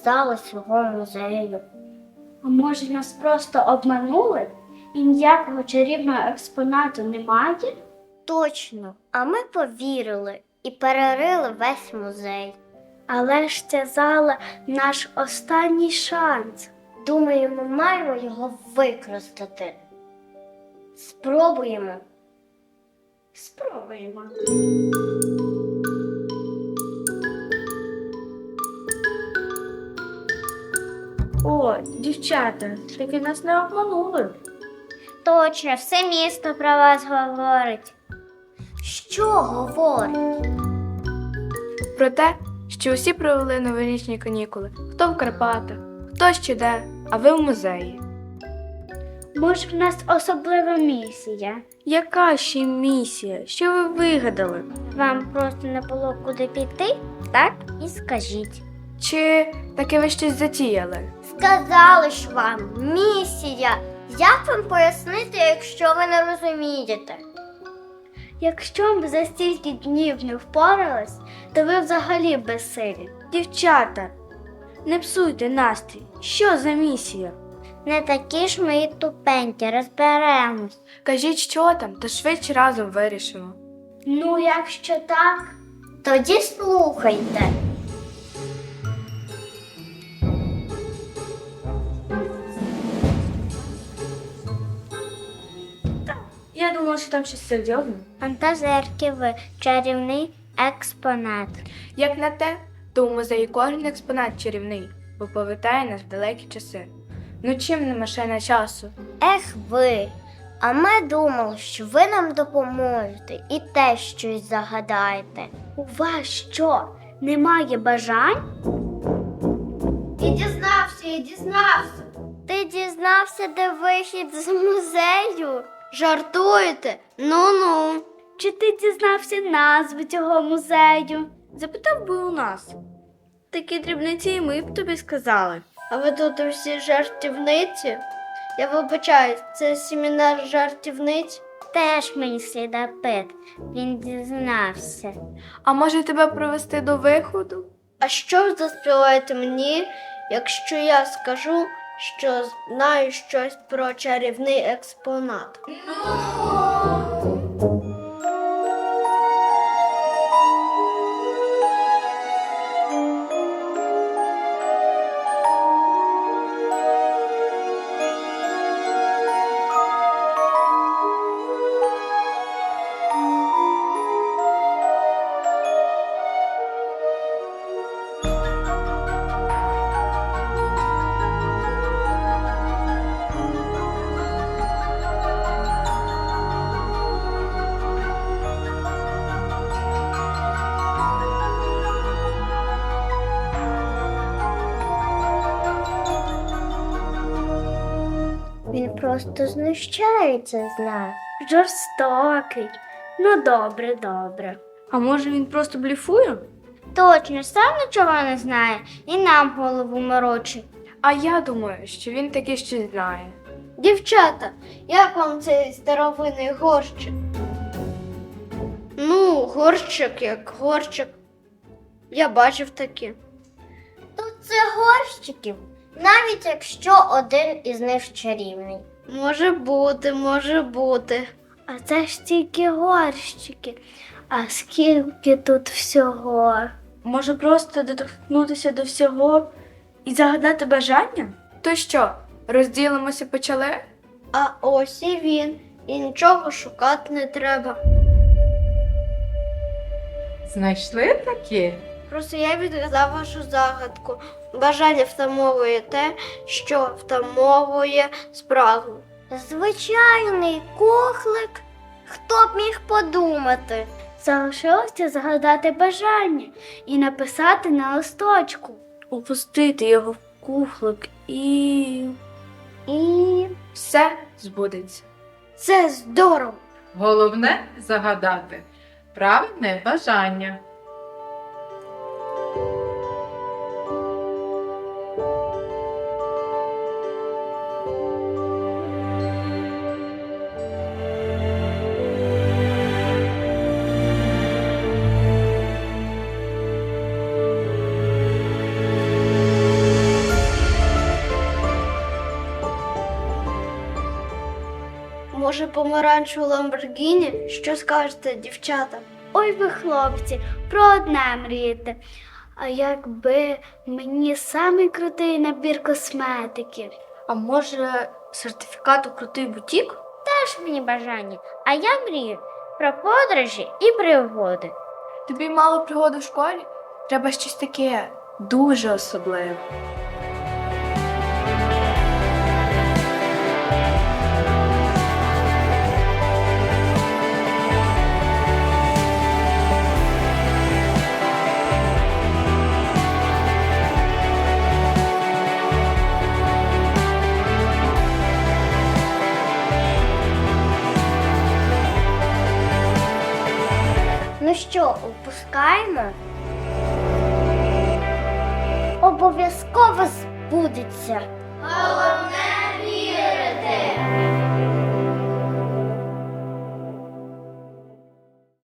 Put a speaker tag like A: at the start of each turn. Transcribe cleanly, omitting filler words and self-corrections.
A: зали свого музею.
B: А може нас просто обманули і ніякого чарівного експонату немає?
A: Точно, а ми повірили і перерили весь музей.
B: Але ж ця зала наш останній шанс.
A: Думаю, ми маємо його використати. Спробуємо.
B: Спробуємо. О, дівчата, таки нас не обманули.
A: Точно, все місто про вас говорить. Що говорить?
C: Про те, що усі провели новорічні канікули. Хто в Карпатах, хто ще де, а ви в музеї.
B: Може, в нас особлива місія?
C: Яка ще місія? Що ви вигадали?
A: Вам просто не було куди піти? Так і скажіть.
C: Чи таки ви щось затіяли?
A: Сказали ж вам, місія. Як вам пояснити, якщо ви не розумієте?
B: Якщо б за стільки днів не впорались, то ви взагалі безсилі. Дівчата, не псуйте настрій. Що за місія?
A: Не такі ж ми і тупенькі, розберемось.
C: Кажіть, що там, та швидше разом вирішимо.
B: Ну, якщо так,
A: Тоді слухайте.
C: Я думала, що там щось серйозне.
A: Фантазерки ви, чарівний експонат.
C: Як на те, то у музеї кожен експонат чарівний, бо повертає нас в далекі часи. Ну чим не машина часу?
A: Ех ви, а ми думали, що ви нам допоможете і те щось загадаєте.
B: у вас що, немає бажань?
A: Я дізнався. Ти дізнався, де вихід з музею? Жартуєте? Ну-ну.
B: Чи ти дізнався назву цього музею?
C: Запитав би у нас. Такі дрібниці і ми б тобі сказали.
D: А ви тут всі жартівниці? Я вибачаю, це семінар жартівниць?
A: Теж мені слідопит. Він дізнався.
C: А може тебе провести до виходу?
D: А що ви заспіваєте мені, якщо я скажу, що знаю щось про чарівний експонат?
A: Він просто знущається з нас.
B: Жорстокий. Ну, добре.
C: А може він просто бліфує?
A: Точно, сам нічого не знає і нам голову морочить.
C: А я думаю, що він таки щось знає.
D: Дівчата, як вам цей старовинний горщик? Ну, горщик як горщик. Я бачив такі.
A: Тут це горщиків, навіть якщо один із них чарівний.
D: Може бути.
B: А це ж тільки горщики. А скільки тут всього? Може просто доторкнутися до всього і загадати бажання?
C: То що, розділимося почали?
D: А ось і він. І нічого шукати не треба.
E: Знайшли такі?
D: Просто я відгадав вашу загадку. Бажання втамовує те, що втамовує спрагу.
A: Звичайний кухлик. Хто б міг подумати?
B: Залишилося загадати бажання і написати на листочку. Опустити його в кухлик і
C: Все збудеться.
D: Це здорово!
E: Головне загадати правильне бажання.
D: може, помаранчеву Ламборгіні? Що скажете, дівчата?
B: Ой ви, хлопці, про одне мрієте. А якби мені самий крутий набір косметики?
D: А може, сертифікат у крутий бутік?
A: Теж мені бажання, а я мрію про подорожі і пригоди.
C: Тобі мало пригод у школі? Треба щось таке дуже особливе.
A: Ну що, опускаємо? Обов'язково збудеться.